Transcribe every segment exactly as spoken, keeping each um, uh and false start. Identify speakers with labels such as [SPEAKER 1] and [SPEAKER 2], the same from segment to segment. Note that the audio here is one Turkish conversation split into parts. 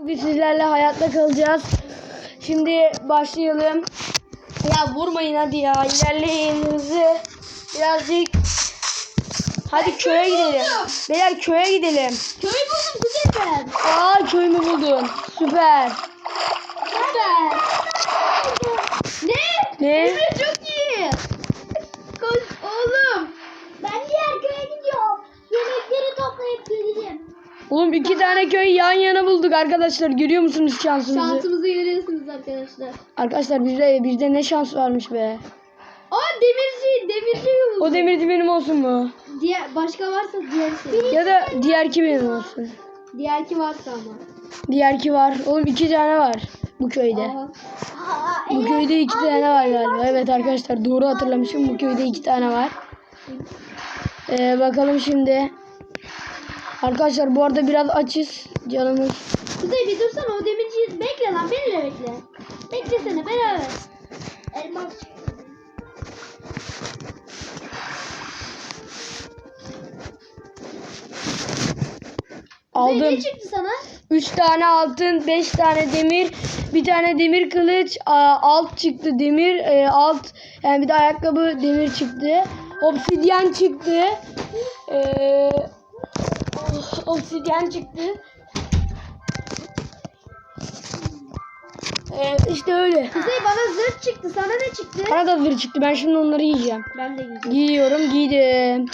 [SPEAKER 1] Biz sizlerle hayatta kalacağız. Şimdi başlayalım. Ya vurmayın hadi ya. İlerleyin hızlı. Birazcık. Hadi köye gidelim. Beyler köye gidelim.
[SPEAKER 2] Köyü buldum güzel.
[SPEAKER 1] Aa köyümü buldun. Süper.
[SPEAKER 2] Süper. Ne?
[SPEAKER 1] Ne?
[SPEAKER 2] Emre çok iyi. Koş oğlum. Ben diğer köye gidiyorum. Yemekleri toplayıp geleceğim.
[SPEAKER 1] Oğlum iki tane köy yan yana bulduk arkadaşlar. Görüyor musunuz şansımızı?
[SPEAKER 2] Şansımızı görüyorsunuz arkadaşlar.
[SPEAKER 1] Arkadaşlar bizde, bizde ne şans varmış be.
[SPEAKER 2] Aa demirci, demirci buldum.
[SPEAKER 1] O demirci benim olsun mu?
[SPEAKER 2] Diğer, başka varsa diğer senin.
[SPEAKER 1] Ya da diğerki benim olsun.
[SPEAKER 2] Diğer ki varsa ama.
[SPEAKER 1] Diğerki var. Oğlum iki tane var bu köyde.
[SPEAKER 2] Aha.
[SPEAKER 1] Bu köyde iki tane var galiba. Evet arkadaşlar doğru hatırlamışım. Bu köyde iki tane var. Ee, bakalım şimdi. Arkadaşlar bu arada biraz açız. Canımız.
[SPEAKER 2] Kuzey bir dursana o demirciyi bekle lan beni de bekle. Beklesene beraber. Elmas. Kuzey
[SPEAKER 1] Aldım.
[SPEAKER 2] ne çıktı sana?
[SPEAKER 1] üç tane altın, beş tane demir, bir tane demir kılıç, a, alt çıktı demir, e, alt yani bir de ayakkabı demir çıktı. Obsidyen çıktı. Ee, obsidyen çıktı. Ee, işte öyle.
[SPEAKER 2] Kuzey bana zırh çıktı. Sana ne çıktı?
[SPEAKER 1] Bana da zırh çıktı. Ben şimdi onları yiyeceğim.
[SPEAKER 2] Ben de giyeceğim.
[SPEAKER 1] Giyiyorum, giydim.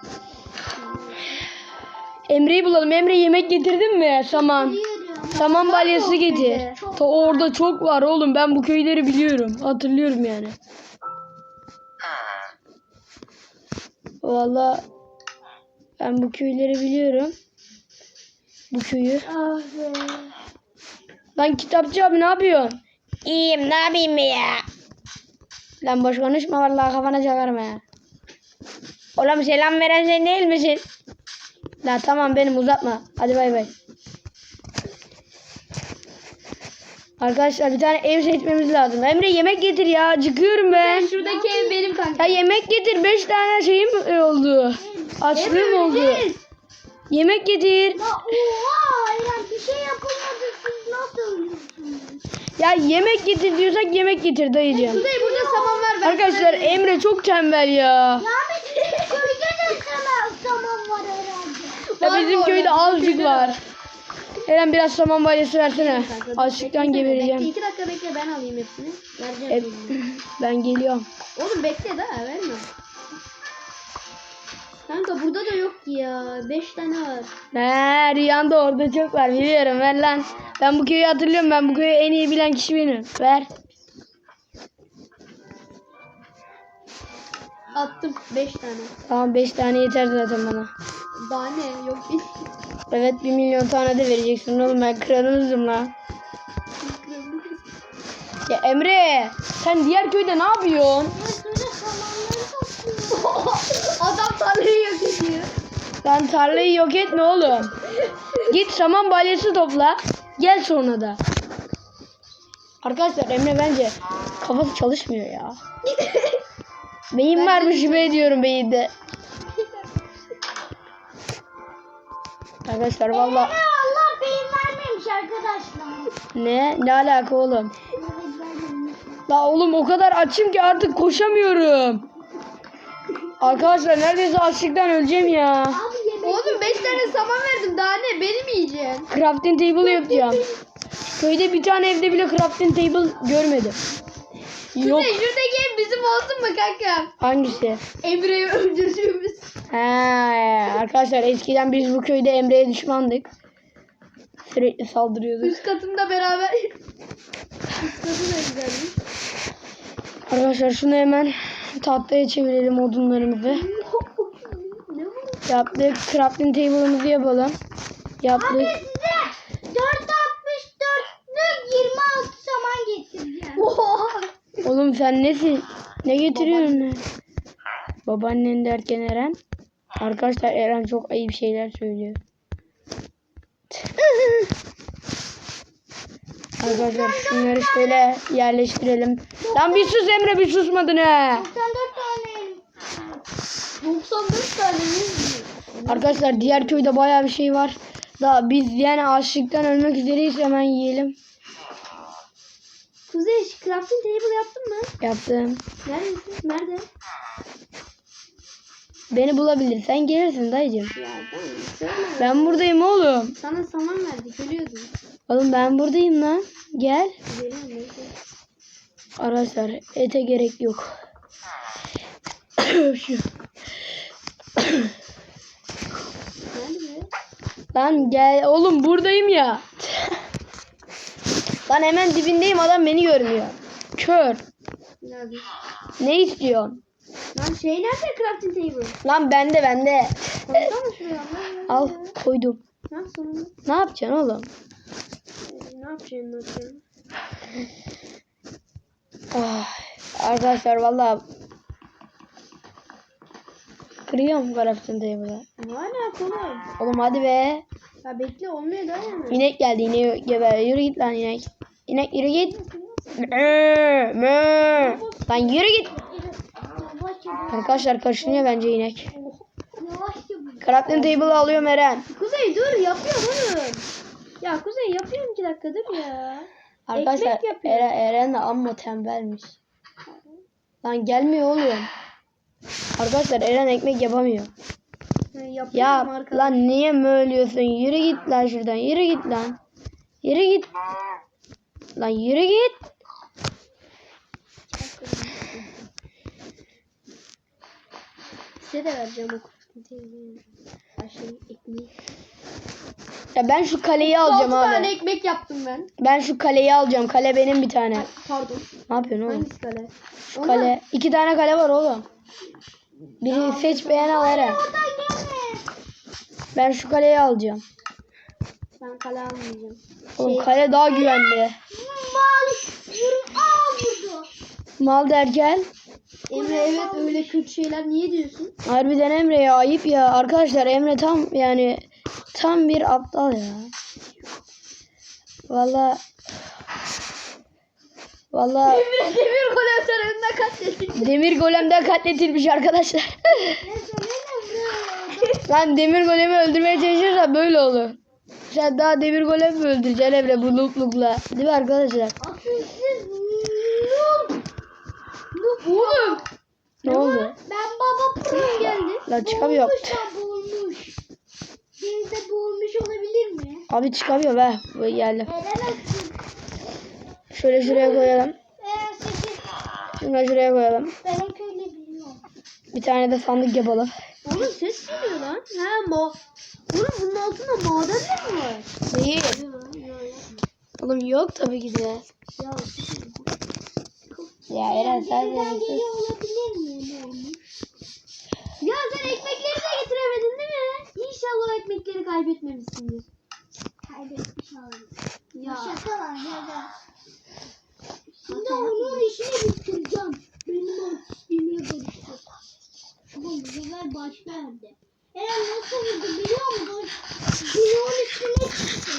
[SPEAKER 1] Emre'yi bulalım. Emre yemek getirdin mi? Saman. Saman balyası getir. Ta orada çok var oğlum. Ben bu köyleri biliyorum. Hatırlıyorum yani. Vallahi ben bu köyleri biliyorum. Bu köyü.
[SPEAKER 2] Ah be.
[SPEAKER 1] Lan kitapçı abi ne yapıyorsun? İyiyim ne yapayım ya? Lan boş konuşma vallahi kafana çakarım ya. Oğlum selam veren sen değil misin? La tamam benim uzatma. Hadi bay bay. Arkadaşlar bir tane ev seçmemiz lazım. Emre yemek getir ya. Acıkıyorum ben.
[SPEAKER 2] Şuradaki ev benim kanka.
[SPEAKER 1] Ya yemek getir. Beş tane şeyim oldu. Açlığım oldu.
[SPEAKER 2] öleceğiz.
[SPEAKER 1] Yemek getir.
[SPEAKER 2] Ya oha Eren bir şey yapılmadı siz nasıl ölüyorsunuz?
[SPEAKER 1] Ya yemek getir diyorsak yemek getir dayıcığım.
[SPEAKER 2] Kuzey burada saman var. Ben
[SPEAKER 1] Arkadaşlar
[SPEAKER 2] sana-
[SPEAKER 1] Emre çok tembel ya.
[SPEAKER 2] Ya bizim köyde de sana saman var herhalde.
[SPEAKER 1] Ya
[SPEAKER 2] Var
[SPEAKER 1] bizim
[SPEAKER 2] mı
[SPEAKER 1] köyde
[SPEAKER 2] orada?
[SPEAKER 1] azıcık
[SPEAKER 2] Bizim köyde
[SPEAKER 1] var. Eren biraz saman balyası versene.
[SPEAKER 2] Kanka, dur,
[SPEAKER 1] Açlıktan
[SPEAKER 2] beklesene,
[SPEAKER 1] gebereceğim.
[SPEAKER 2] Bekle iki dakika bekle ben alayım hepsini. Vereceğim.
[SPEAKER 1] E,
[SPEAKER 2] şimdi.
[SPEAKER 1] ben geliyorum.
[SPEAKER 2] Oğlum bekle daha verme. Kanka burada da yok ki ya. Beş tane var.
[SPEAKER 1] He Rüyanda orada çok var biliyorum ver lan. Ben bu köyü hatırlıyorum, ben bu köyü en iyi bilen kişi benim. Ver.
[SPEAKER 2] Attım beş tane.
[SPEAKER 1] Tamam beş tane yeter zaten bana.
[SPEAKER 2] Daha ne? Yok bir.
[SPEAKER 1] Evet bir milyon tane de vereceksin oğlum, ben kralınızım lan. Ya Emre sen diğer köyde ne yapıyorsun?
[SPEAKER 2] Adam tarlayı yok ediyor.
[SPEAKER 1] Lan tarlayı yok etme oğlum. Git saman balyası topla. Gel sonra da. Arkadaşlar Emre bence kafası çalışmıyor ya. Beyin varmış gibi ediyorum beyinde. Arkadaşlar valla
[SPEAKER 2] Allah beyin vermemiş arkadaşlar.
[SPEAKER 1] ne ne alaka oğlum? La oğlum o kadar açım ki artık koşamıyorum. Arkadaşlar neredeyse açlıktan öleceğim ya.
[SPEAKER 2] Oğlum beş tane saman verdim daha ne? Beni mi yiyeceksin?
[SPEAKER 1] Crafting table yapacağım. Köyde bir tane evde bile crafting table görmedim. Yok.
[SPEAKER 2] Kuzey şuradaki ev bizim olsun mu kanka?
[SPEAKER 1] Hangisi?
[SPEAKER 2] Emre'yi öldürdüğümüz.
[SPEAKER 1] He, arkadaşlar eskiden biz bu köyde Emre'ye düşmandık. Sürekli saldırıyorduk.
[SPEAKER 2] Üst katında beraber. Üst katı da güzelmiş.
[SPEAKER 1] Arkadaşlar şunu hemen tahtaya çevirelim odunlarımızı.
[SPEAKER 2] Ne bu?
[SPEAKER 1] Yaptık. Crafting table'ımızı yapalım. Yaptık.
[SPEAKER 2] size dört altmış dörtlük yirmi altı saman getireceğim. Oha.
[SPEAKER 1] Oğlum sen nesin? Ne getiriyorsun? lan? Babaannen derken Eren. Arkadaşlar Eren çok ayıp şeyler söylüyor. Arkadaşlar şunları şöyle yerleştirelim. Lan bir sus Emre, bir susmadın he.
[SPEAKER 2] doksan dört tane. doksan dört tane mi?
[SPEAKER 1] Arkadaşlar diğer köyde bayağı bir şey var. Daha biz yani açlıktan ölmek üzereyiz, hemen yiyelim.
[SPEAKER 2] Kuzey crafting table yaptın mı?
[SPEAKER 1] Yaptım.
[SPEAKER 2] Neredesin? Nerede?
[SPEAKER 1] Beni bulabilirsen gelirsin dayıcım.
[SPEAKER 2] Ya tamam. Söyle.
[SPEAKER 1] Ben buradayım oğlum.
[SPEAKER 2] Sana saman verdik. Ölüyordun.
[SPEAKER 1] Oğlum ben buradayım lan. Gel.
[SPEAKER 2] Geliyorum neyse.
[SPEAKER 1] Arkadaşlar ete gerek yok. Şu.
[SPEAKER 2] Nerede?
[SPEAKER 1] Lan gel oğlum, buradayım ya. Lan hemen dibindeyim, adam beni görmüyor. Kör.
[SPEAKER 2] Nerede?
[SPEAKER 1] Ne istiyorsun?
[SPEAKER 2] Lan şey nerede crafting table?
[SPEAKER 1] Lan bende bende.
[SPEAKER 2] Koysana şuraya.
[SPEAKER 1] Al koydum.
[SPEAKER 2] Ne yapsın?
[SPEAKER 1] Ne yapacaksın oğlum?
[SPEAKER 2] Ne yapacaksın? Ne yapacaksın?
[SPEAKER 1] Oh, arkadaşlar vallahi kırıyorum crafting table'ı.
[SPEAKER 2] Hala kolay.
[SPEAKER 1] Oğlum hadi be.
[SPEAKER 2] Ya bekle olmuyor da yani.
[SPEAKER 1] İnek geldi, ineği geber. Yürü git lan inek. İnek yürü git. Mö, mö. Lan yürü git. Arkadaşlar kaşınıyor bence inek. Crafting table alıyorum Eren.
[SPEAKER 2] Kuzey dur yapıyorum oğlum. Ya Kuzey yapıyorum iki dakika dur ya.
[SPEAKER 1] Arkadaşlar
[SPEAKER 2] Ekmek yapıyor.
[SPEAKER 1] Eren, Eren de amma tembelmiş. Lan gelmiyor oğlum. Arkadaşlar Eren ekmek yapamıyor.
[SPEAKER 2] Ha, yapıyorum
[SPEAKER 1] Ya
[SPEAKER 2] arkadaşlar.
[SPEAKER 1] lan niye möylüyorsun? Yürü git lan şuradan. Yürü git lan. Yürü git. Lan yürü git.
[SPEAKER 2] Size de vereceğim o crafting table'ı. Şey ekmeği.
[SPEAKER 1] Ya ben şu kaleyi alacağım
[SPEAKER 2] altı tane
[SPEAKER 1] abi.
[SPEAKER 2] ekmek yaptım ben.
[SPEAKER 1] Ben şu kaleyi alacağım. Kale benim bir tane.
[SPEAKER 2] Ay, pardon.
[SPEAKER 1] Ne yapıyorsun oğlum?
[SPEAKER 2] Hangisi kale?
[SPEAKER 1] Şu kale. İki tane kale var oğlum. Biri seç beğen al Eren. Ben şu kaleyi alacağım.
[SPEAKER 2] Ben kale almayacağım.
[SPEAKER 1] Oğlum
[SPEAKER 2] Şey-
[SPEAKER 1] kale daha güvenli.
[SPEAKER 2] Mal.
[SPEAKER 1] Mal derken.
[SPEAKER 2] Emre evet öyle kötü şeyler niye diyorsun?
[SPEAKER 1] Harbiden Emre ya, ayıp ya. Arkadaşlar Emre tam yani tam bir aptal ya. Valla valla
[SPEAKER 2] Emre demir golem tarafından katledildi.
[SPEAKER 1] demir golemden katletilmiş arkadaşlar. Lan demir golemi öldürmeye çalışırsa böyle olur. Sen daha demir golemi mi öldüreceksin Emre bu luklukla? Değil mi arkadaşlar?
[SPEAKER 2] Oğlum.
[SPEAKER 1] Ne oldu?
[SPEAKER 2] Ben baba pırım geldi.
[SPEAKER 1] Lan çıkamıyor.
[SPEAKER 2] Boğulmuş ya boğulmuş. Denizde boğulmuş olabilir mi?
[SPEAKER 1] Abi çıkamıyor be. Bu geldi.
[SPEAKER 2] Edemezsin.
[SPEAKER 1] Şöyle şuraya koyalım.
[SPEAKER 2] Eğer sekiz.
[SPEAKER 1] Şunu da şuraya koyalım.
[SPEAKER 2] Ben o köyle biliyorum.
[SPEAKER 1] Bir tane de sandık yapalım.
[SPEAKER 2] Oğlum ses geliyor lan. Ha ma. Oğlum bunun altında madenler mi var?
[SPEAKER 1] Değil. Oğlum yok tabii ki de.
[SPEAKER 2] Ya,
[SPEAKER 1] Ya Eren sen de misin?
[SPEAKER 2] olabilir mi? Ya sen ekmekleri de getiremedin değil mi? İnşallah o ekmekleri kaybetmemişsindir. Kaybetmiş olalım. Ya. Şaka var ya. Şimdi onun işini bitireceğim. Benim artistliğime karıştı. Ama bu sefer başka yerde. Eren nasıl vurdu biliyor musun? Bloğun üstüne çıktı.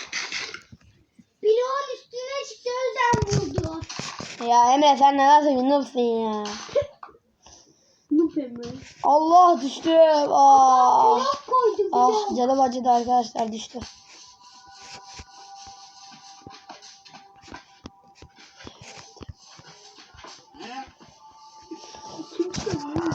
[SPEAKER 2] Bloğun üstüne çıktı o yüzden vurdu.
[SPEAKER 1] Ya Emre sen ne nasıl bir noobsun ya?
[SPEAKER 2] Noob Emre.
[SPEAKER 1] Allah düştüm. Aa.
[SPEAKER 2] Blok koydu
[SPEAKER 1] Ah
[SPEAKER 2] blok.
[SPEAKER 1] canım acıdı arkadaşlar, düştü.
[SPEAKER 2] Kim çıkıyor?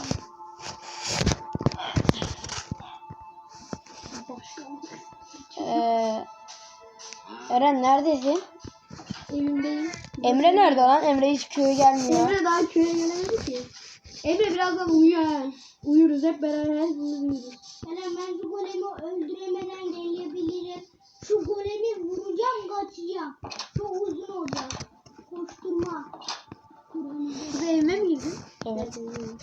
[SPEAKER 1] Ee, Eren neredesin?
[SPEAKER 2] Evimdeyim.
[SPEAKER 1] Emre nerede lan? Emre hiç köye gelmiyor.
[SPEAKER 2] Emre daha köye gelemedi ki. Emre birazdan uyuyor ha. Uyuruz hep beraber hepimiz uyuruz. Eren ben şu golemi öldüremeden gelebilirim. Şu golemi vuracağım kaçacağım. Çok uzun olacak. Koşturma. Siz evime mi girdin?
[SPEAKER 1] Evet.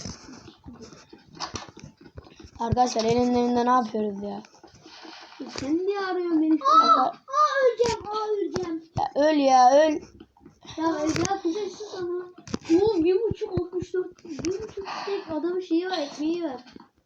[SPEAKER 1] Arkadaşlar Eren'in evinde ne yapıyoruz ya?
[SPEAKER 2] Sen niye arıyorsun beni?
[SPEAKER 1] Aa,
[SPEAKER 2] aa öleceğim, aa öleceğim.
[SPEAKER 1] Ya öl ya öl.
[SPEAKER 2] Ya ya kuzey sus ama. Oğlum bir buçuk altmış dört. Bir buçuk tek adamın şeyi var, ekmeği var.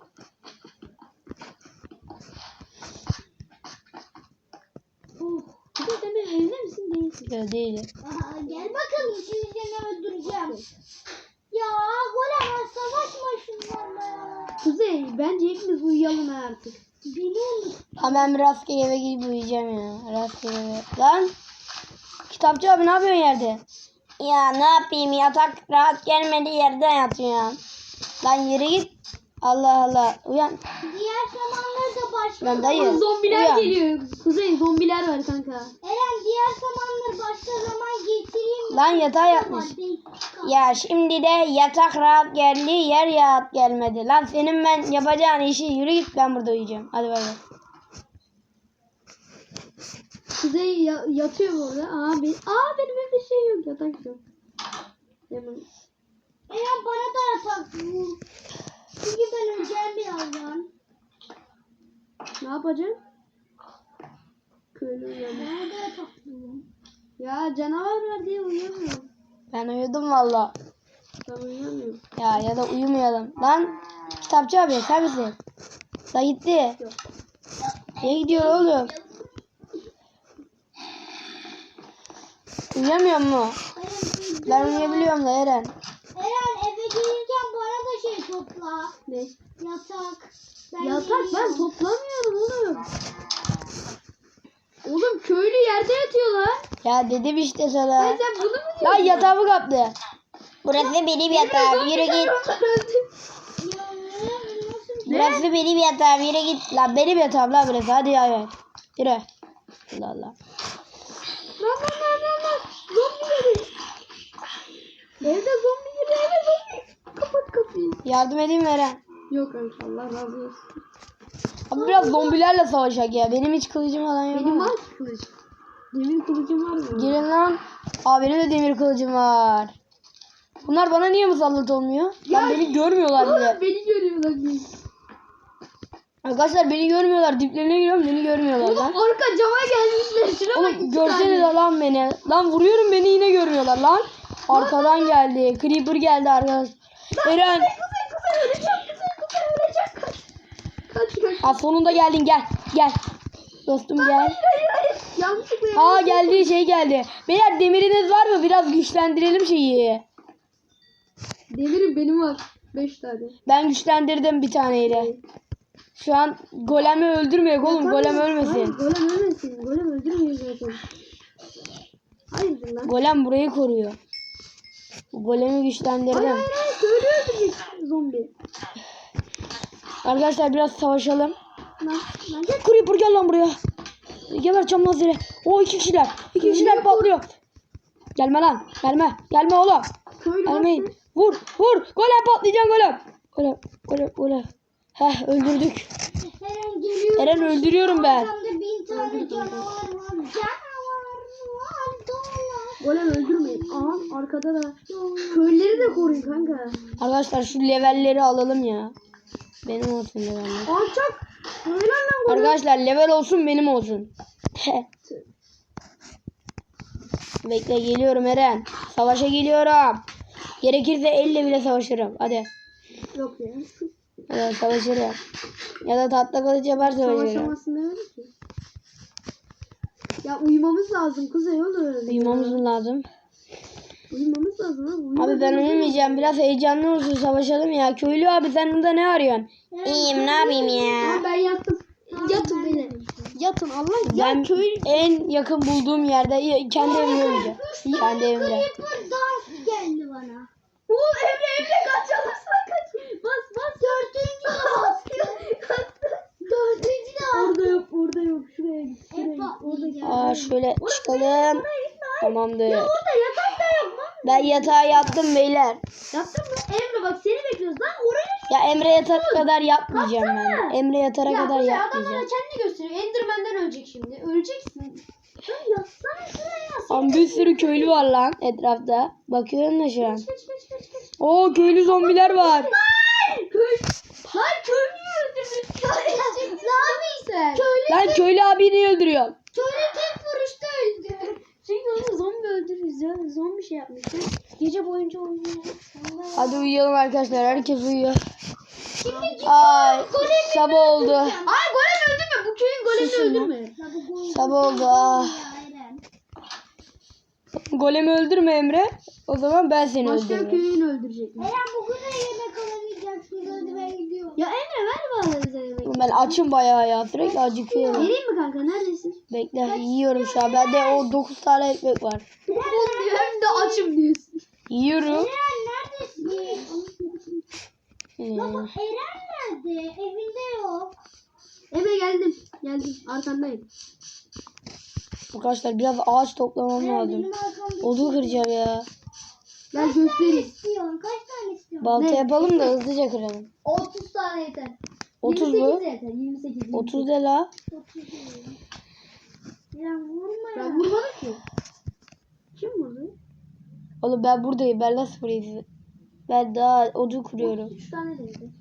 [SPEAKER 2] Oh. Kuzey sen benim evde misin değilsin?
[SPEAKER 1] Öyle değil.
[SPEAKER 2] Aha, gel bakalım şimdi seni öldüreceğim. Ya golem savaşma şunlarla. Kuzey bence hepimiz uyuyalım artık. Biliyorum.
[SPEAKER 1] Hemen bir rastgele eve gidip uyuyacağım ya. Rastgele eve. Lan. Kitapçı abi ne yapıyorsun yerde? Ya ne yapayım, yatak rahat gelmedi, yerden yatıyorum. Lan yürü git. Allah Allah. Uyan.
[SPEAKER 2] Diğer zamanlarda da başka.
[SPEAKER 1] Lan dayı.
[SPEAKER 2] Zombiler
[SPEAKER 1] uyan.
[SPEAKER 2] geliyor. Kuzey zombiler var kanka. Eren diğer zamanlar başka zaman getireyim mi?
[SPEAKER 1] Lan yatağa yatmış. Ya şimdi de yatak rahat geldi, yer rahat gelmedi. Lan senin ben yapacağın işi, yürü git, ben burada uyuyacağım. Hadi bay bay.
[SPEAKER 2] Kuzey ya- yatıyor bu arada. Aa, ben, aa benim evde şey yok, yatak yok. Hemen. Eren bana da yatak bul. Çünkü ben öleceğim birazdan. Ne yapacaksın? Köylü uyanıyor. Bana da yatak bul. Ya canavar var diye uyuyamıyorum.
[SPEAKER 1] Ben uyudum valla.
[SPEAKER 2] Ben uyuyamıyorum.
[SPEAKER 1] Ya ya da uyumayalım. Lan kitapçı abi sen misin? Da gitti.
[SPEAKER 2] Yok.
[SPEAKER 1] Niye gidiyor oğlum? Uyuyamıyor mu? Ben uyuyabiliyorum da Eren.
[SPEAKER 2] Eren eve gelirken bana da şey topla. Ne? Yatak. Ben Yatak ben toplamıyorum oğlum. Oğlum köylü yerde yatıyorlar.
[SPEAKER 1] Ya dedim işte sana.
[SPEAKER 2] Ay sen bunu mu diyorsun?
[SPEAKER 1] Lan yatağımı kaptı. Burası benim yatağım, yürü git. Burası benim yatağım, yürü git. Lan benim yatağım lan burası, hadi ya. ya. Yürü. Allah Allah.
[SPEAKER 2] Lan lan lan lan lan. Zombi geliyor. Evde zombi geliyor, eve zombi. Kapat kapıyı.
[SPEAKER 1] Yardım edeyim mi Eren?
[SPEAKER 2] Yok kanka Allah razı olsun.
[SPEAKER 1] Abi biraz zombilerle savaşak ya. Benim hiç kılıcım falan yok.
[SPEAKER 2] Benim
[SPEAKER 1] ama.
[SPEAKER 2] var ki kılıç. Demir kılıcım var mı?
[SPEAKER 1] Gelin lan. Aa benim de demir kılıcım var. Bunlar bana niye musallat olmuyor? Lan beni görmüyorlar bile.
[SPEAKER 2] Oğlum beni görüyorlar.
[SPEAKER 1] Arkadaşlar beni görmüyorlar. Diplerine giriyorum, beni görmüyorlar
[SPEAKER 2] Oğlum
[SPEAKER 1] lan.
[SPEAKER 2] arka cama gelmişler. Şuna bak.
[SPEAKER 1] Oğlum görsenize lan beni. Lan vuruyorum, beni yine görmüyorlar lan. Arkadan geldi. Creeper geldi arkadaş. Eren.
[SPEAKER 2] Kuzey kuzey öleceğim. Kuzey kuzey öleceğim. Kaç. Kaç kaç.
[SPEAKER 1] Aa, sonunda geldin, gel. Gel. Dostum gel.
[SPEAKER 2] Hayır hayır. Yanlışlıkla
[SPEAKER 1] Aa geldi, şey geldi. Beyler demiriniz var mı? Biraz güçlendirelim şeyi.
[SPEAKER 2] Demirim benim var. Beş tane.
[SPEAKER 1] Ben güçlendirdim bir taneyle. Şu an golemi öldürmeyek oğlum. Golem
[SPEAKER 2] Hayır,
[SPEAKER 1] ölmesin.
[SPEAKER 2] golem ölmesin. Golem öldürmüyor zaten. Hayırdır lan?
[SPEAKER 1] Golem burayı koruyor. Golemi
[SPEAKER 2] Hayır
[SPEAKER 1] güçlendirdim.
[SPEAKER 2] hayır hayır. Köylü öldürecek zombi.
[SPEAKER 1] Arkadaşlar biraz savaşalım.
[SPEAKER 2] Lan lan gel.
[SPEAKER 1] Creeper gel lan buraya. Geberteceğim lan seni. O iki kişiler. İki kişiler patlıyor. Gelme lan. Gelme. Gelme oğlum.
[SPEAKER 2] Köylü
[SPEAKER 1] Gelmeyin.
[SPEAKER 2] bastı.
[SPEAKER 1] Vur. Vur. Golem patlayacaksın golem. Golem. Golem. Golem. Heh öldürdük.
[SPEAKER 2] Eren geliyor.
[SPEAKER 1] Eren öldürüyorum ben.
[SPEAKER 2] Arkamda bin tane canavar var. Canavar var. Dolar. Golem öldürmeyin. Aha arkada da. Köyleri de koruyun kanka.
[SPEAKER 1] Arkadaşlar şu levelleri alalım ya. Benim olsun leveller.
[SPEAKER 2] Alçak. Öyle lan golem.
[SPEAKER 1] Arkadaşlar level olsun, benim olsun. Bekle, geliyorum Eren. Savaşa geliyorum. Gerekirse elle bile savaşırım. Hadi.
[SPEAKER 2] Yok ya.
[SPEAKER 1] Hadi savaşırım. Ya da tatlı kılıç yapar savaşırım.
[SPEAKER 2] Savaşamazsın demedik ki. Ya uyumamız lazım kuzey oğlum.
[SPEAKER 1] Uyumamız mı lazım?
[SPEAKER 2] Uyumamız lazım abi. Uyumamız
[SPEAKER 1] Abi ben
[SPEAKER 2] lazım.
[SPEAKER 1] uyumayacağım. Biraz heyecanlı olsun, savaşalım ya. Köylü abi sen burada ne arıyorsun? İyiyim, ne yapayım ya?
[SPEAKER 2] Aa, ben yattım. Yatın beni. Yatın Allah.
[SPEAKER 1] Ben
[SPEAKER 2] Ya köylü.
[SPEAKER 1] en yakın bulduğum yerde kendi evimde uyuyacağım. Kendi evimde.
[SPEAKER 2] Creeper dans geldi bana. Oğlum Emre Emre kaç alırsan kaç. Bas bas. Dördüncü de bastı. Dördüncü de bastı. Orada yok orada yok. Şuraya git. Şuraya git. Orada git.
[SPEAKER 1] Aa şöyle çıkalım. Tamamdır.
[SPEAKER 2] Ya orada yatak da yok lan.
[SPEAKER 1] Ben yatağa yattım beyler.
[SPEAKER 2] Yaptın mı? Emre bak seni bekliyoruz lan. Oraya
[SPEAKER 1] Ya Emre yatana kadar yatmayacağım ben. Emre yatana
[SPEAKER 2] ya,
[SPEAKER 1] kadar
[SPEAKER 2] Kuzey, adam bana
[SPEAKER 1] yatmayacağım.
[SPEAKER 2] kendini gösteriyor. Enderman'den ölecek şimdi. Öleceksin. Sen yatsana şuraya.
[SPEAKER 1] Lan bir sürü köylü var lan etrafta. Bakıyorum da şu an.
[SPEAKER 2] Geç geç geç geç. geç.
[SPEAKER 1] Oo köylü zombiler var.
[SPEAKER 2] Hayır. Köy. Hayır köylüyü öldürdün. Ne yapıyorsun sen? Köylü,
[SPEAKER 1] Lan köylü abi niye öldürüyor?
[SPEAKER 2] köylü tek vuruşta öldü. Çünkü onu zombi öldürürüz ya. Zombi şey yapmıştı. Gece boyunca oynuyor.
[SPEAKER 1] Hadi uyuyalım arkadaşlar. Herkes uyuyor.
[SPEAKER 2] Şimdi
[SPEAKER 1] Ay sabah oldu.
[SPEAKER 2] Ay golem öldürme. Bu köyün golemini
[SPEAKER 1] Susun lan.
[SPEAKER 2] öldürme.
[SPEAKER 1] Sabah oldu. Ah. Golemi öldürme Emre. O zaman ben seni
[SPEAKER 2] Başka
[SPEAKER 1] öldürürüm.
[SPEAKER 2] köyünü öldürecek.
[SPEAKER 3] Eren bugün de yemek alamayacaksın. Hadi ben gidiyorum.
[SPEAKER 2] Ya Emre ver bana bize yemek.
[SPEAKER 1] Ben açım bayağı ya. Sürekli acıkıyorum.
[SPEAKER 2] Vereyim mi kanka? Neredesin?
[SPEAKER 1] Bekle yiyorum şu an. Bende o dokuz tane ekmek var.
[SPEAKER 2] Hem de açım diyorsun.
[SPEAKER 1] Yiyorum.
[SPEAKER 3] Eren neredesin?
[SPEAKER 1] Ee,
[SPEAKER 3] Baba Eren nerede? Evinde yok.
[SPEAKER 2] Eve geldim. Geldim. Arkandayım.
[SPEAKER 1] Arkadaşlar biraz ağaç toplamam
[SPEAKER 3] Eren
[SPEAKER 1] lazım.
[SPEAKER 3] benim arkamda.
[SPEAKER 1] Odun kıracağım ya.
[SPEAKER 2] Gel göstereyim.
[SPEAKER 3] İstiyorsun. Kaç tane istiyorsun?
[SPEAKER 1] Balta
[SPEAKER 2] Ne?
[SPEAKER 1] yapalım da hızlıca kıralım.
[SPEAKER 2] otuz tane yeter.
[SPEAKER 1] otuz
[SPEAKER 2] yirmi
[SPEAKER 1] mu?
[SPEAKER 2] sekiz yeter. yirmi sekiz.
[SPEAKER 1] otuz de la.
[SPEAKER 3] Eren vurma ya.
[SPEAKER 2] Ben vurmadım ki. Kim vurdu?
[SPEAKER 1] Oğlum ben buradayım. Ben nasıl vurayım sizi? Ben daha odun kuruyorum.
[SPEAKER 2] üç tane de yeter.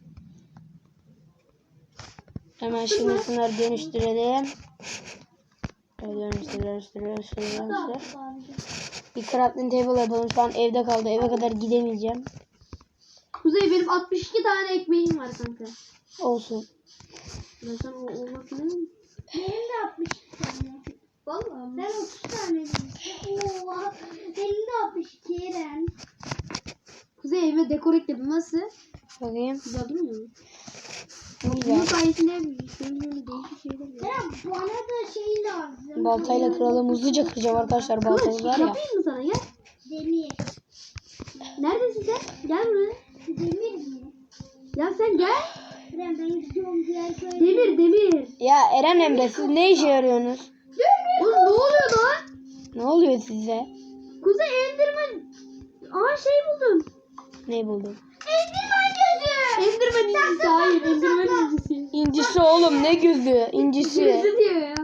[SPEAKER 1] Hemen şimdi şunları dönüştürelim. Şöyle Dönüştür, dönüştür, dönüştür, dönüştür. Bir crafting table yapalım. Şu an evde kaldı. Eve kadar gidemeyeceğim.
[SPEAKER 2] Kuzey benim altmış iki tane ekmeğim var kanka.
[SPEAKER 1] Olsun.
[SPEAKER 2] Ben sana o olmak ne?
[SPEAKER 3] Benim de altmış iki tane.
[SPEAKER 2] Vallahi.
[SPEAKER 3] Ben otuz tane demiştim. Oha. Benim de altmış iki Eren.
[SPEAKER 2] Kuzey evime dekor ekledim. Nasıl?
[SPEAKER 1] Bakayım.
[SPEAKER 2] Güzel değil mi?
[SPEAKER 1] Ne
[SPEAKER 2] Bunun
[SPEAKER 1] güzel.
[SPEAKER 2] sayesinde şöyle böyle değişik şeyler var.
[SPEAKER 3] Eren bana da şey lazım.
[SPEAKER 1] Baltayla kıralım. Hızlıca kıracağım arkadaşlar. Baltamız
[SPEAKER 2] Kılıç
[SPEAKER 1] var ya.
[SPEAKER 2] yapayım mı sana? Gel.
[SPEAKER 3] Demir.
[SPEAKER 2] Neredesin sen? Gel buraya.
[SPEAKER 3] Demir mi?
[SPEAKER 2] Ya sen gel.
[SPEAKER 3] Eren ben gidiyorum diğer köye.
[SPEAKER 2] Demir demir.
[SPEAKER 1] Ya Eren Emre siz ne işe yarıyorsunuz?
[SPEAKER 2] Oğlum ne oluyor lan?
[SPEAKER 1] Ne oluyor size?
[SPEAKER 2] Kuzey Enderman. Aa şey buldum.
[SPEAKER 1] Ne buldun?
[SPEAKER 3] Endirmen gözü.
[SPEAKER 2] Enderman incisi. Hayır Enderman incisi.
[SPEAKER 1] İncisi oğlum ne gözü? İncisi.
[SPEAKER 2] İncisi diyor ya.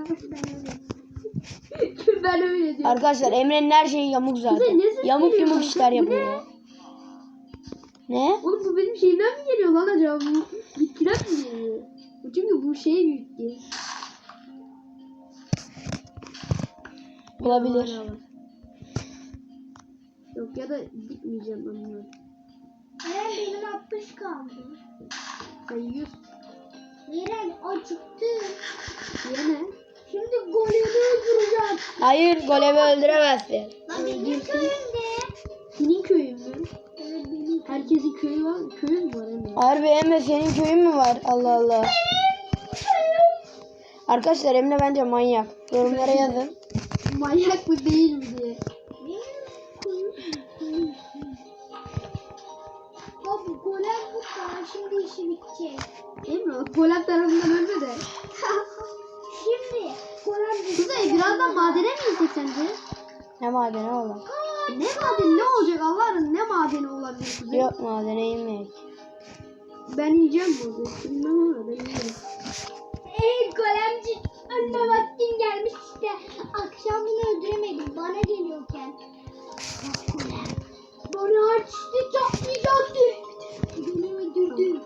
[SPEAKER 2] Ben öyle diyorum.
[SPEAKER 1] Arkadaşlar Emre'nin her şeyi yamuk zaten.
[SPEAKER 2] Kuzey, ne ses
[SPEAKER 1] Yamuk
[SPEAKER 2] geliyor
[SPEAKER 1] yumuk
[SPEAKER 2] kanka?
[SPEAKER 1] işler
[SPEAKER 2] Bu
[SPEAKER 1] yapıyor. Ne?
[SPEAKER 2] Oğlum bu benim şeyimden mi geliyor lan acaba? Bu bitkiden mi geliyor? Bu çünkü bu şey büyük diye.
[SPEAKER 1] Olabilir.
[SPEAKER 2] Yok ya da dikmeyeceğim ben bunu.
[SPEAKER 3] Eren benim altmış kaldı.
[SPEAKER 2] Sen yüz.
[SPEAKER 3] Eren acıktı.
[SPEAKER 2] Yine.
[SPEAKER 3] Şimdi golemi öldüreceğim.
[SPEAKER 1] Hayır golemi öldüremezsin.
[SPEAKER 3] Lan benim köyümde.
[SPEAKER 2] Senin köyün mü?
[SPEAKER 3] Evet benim.
[SPEAKER 2] Herkesin köyü var. Köyün mü var Emre?
[SPEAKER 1] Harbi Emre senin köyün mü var? Allah Allah. Arkadaşlar Emre bence manyak. Yorumlara yazın.
[SPEAKER 2] Manyak mı değil mi diye.
[SPEAKER 3] Abi golem bu kadar. Şimdi işi bitecek.
[SPEAKER 2] Emre Polat tarafından ölme de.
[SPEAKER 3] Şimdi golem bitecek.
[SPEAKER 2] Kuzey birazdan madene mi gitsek sence?
[SPEAKER 1] Ne madeni oğlum?
[SPEAKER 2] Ne madeni ne olacak Allah'ın ne madeni olabilir Kuzey?
[SPEAKER 1] Yok madene inmek.
[SPEAKER 2] Ben yiyeceğim bunu. Bilmem ama ben yiyeceğim.
[SPEAKER 3] Ey golemci. Önüme vaktin gelmiş işte. Akşam bunu öldüremedim. Bana geliyorken. Bak golem. Bana açtı. Çatlayacaktı. Beni öldürdü.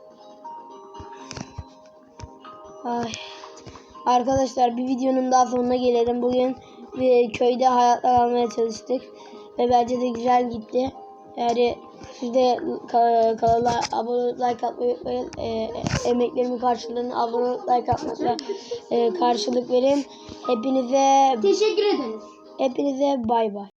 [SPEAKER 1] Ay. Arkadaşlar bir videonun daha sonuna gelelim. Bugün bir köyde hayatta kalmaya çalıştık. Ve bence de güzel gitti. Yani siz de ka- kanala abone olup like atmayı unutmayın. E, emeklerimi karşılığını abone olup like atmakla e, karşılık verin. Hepinize
[SPEAKER 2] Teşekkür ederiz.
[SPEAKER 1] hepinize bay bay.